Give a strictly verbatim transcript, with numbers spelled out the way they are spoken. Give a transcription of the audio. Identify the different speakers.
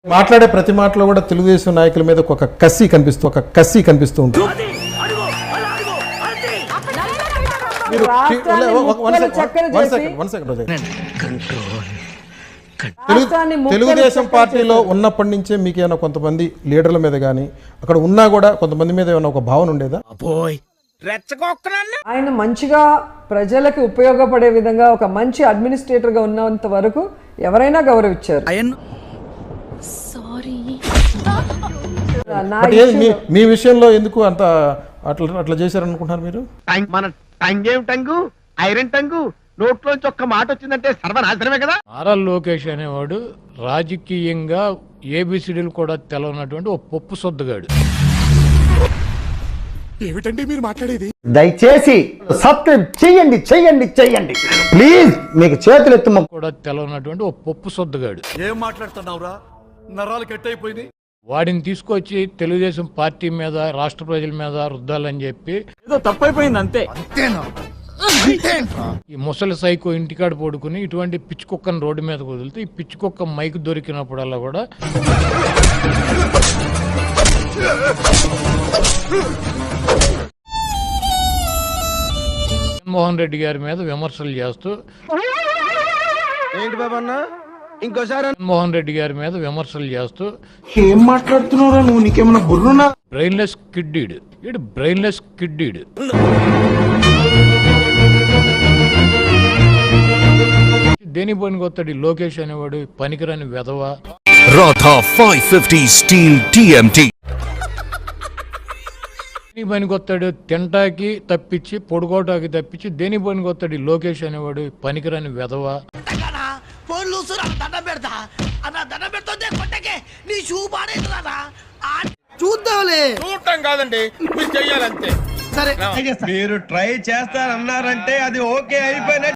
Speaker 1: మాట్లాడే ప్రతి మాటలో కూడా తెలుగుదేశం నాయకుల మీద ఒక కసి కనిపిస్తూ ఒక కసి కనిపిస్తూ ఉంటుంది. మీరు తెలుగుదేశం పార్టీలో ఉన్నప్పటి నుంచే మీకు ఏమైనా కొంతమంది లీడర్ల మీద కానీ అక్కడ ఉన్నా కూడా కొంతమంది మీద ఏమైనా ఒక భావన ఉండేదా?
Speaker 2: ఆయన మంచిగా ప్రజలకు ఉపయోగపడే విధంగా ఒక మంచి అడ్మినిస్ట్రేటర్ గా ఉన్నంత వరకు ఎవరైనా గౌరవించారు.
Speaker 1: మీ విషయంలో ఎందుకు అంత అట్లా అట్లా చేశారనుకుంటున్నారు మీరు?
Speaker 3: మన టంగేం టంగు ఐరన్ టంగు నోట్లోంచి ఒక్క మాట వచ్చిందంటే సర్వనాశనమే కదా.
Speaker 4: నారా లోకేష్ అనేవాడు రాజకీయంగా ఏబిసిడీలు కూడా తెలవనటువంటి ఒక పప్పు సొద్దుగాడు.
Speaker 5: ఏమిటండి మీరు మాట్లాడేది?
Speaker 6: దయచేసి సబ్స్క్రైబ్ చెయ్యండి చెయ్యండి చెయ్యండి ప్లీజ్. మీకు చేతులు ఎత్తు
Speaker 4: కూడా తెలవనటువంటి ఒక పప్పు సొద్దుగాడు.
Speaker 5: ఏం మాట్లాడుతున్నావురా? నరాలు కట్ అయిపోయింది.
Speaker 4: వాడిని తీసుకొచ్చి తెలుగుదేశం పార్టీ మీద రాష్ట్ర ప్రజల మీద రుద్దాలని చెప్పి
Speaker 5: ఏదో తప్పైపోయింది అంతే.
Speaker 4: ఈ ముసలి సైకో ఇంటికాడ పడుకుని ఇటువంటి పిచ్చి కుక్కను రోడ్డు మీద వదిలితే ఈ పిచ్చి కుక్క మైక్ దొరికినప్పుడల్లా కూడా జగన్మోహన్ రెడ్డి గారి మీద విమర్శలు చేస్తూ
Speaker 3: ఏంటి బాబన్నా ఇంకోసారి
Speaker 4: జగన్మోహన్ రెడ్డి గారి మీద విమర్శలు చేస్తూ
Speaker 7: ఏం మాట్లాడుతున్నారా నువ్వు? నీకేమన్నా బుర్రునా?
Speaker 4: బ్రెయిన్లెస్ కిడ్డీడ్ ఇడు బ్రెయిన్లెస్ కిడ్డీడ్ దేని పనికి వస్తాడు లోకేష్ అనేవాడు పనికిరాని వెధవ.
Speaker 8: Radha five fifty steel TMT
Speaker 4: దేని పనికి వస్తాడు తింటాకి తప్పించి పొడుకోటాకి తప్పించి దేని పనికి వస్తాడు లోకేష్ అనేవాడు పనికిరాని వెధవ.
Speaker 7: చూద్దాంలే.
Speaker 3: చూడటం కాదండి మీరు చెయ్యాలంతే.
Speaker 7: సరే
Speaker 3: మీరు ట్రై చేస్తారన్నారంటే అది ఓకే అయిపోయిన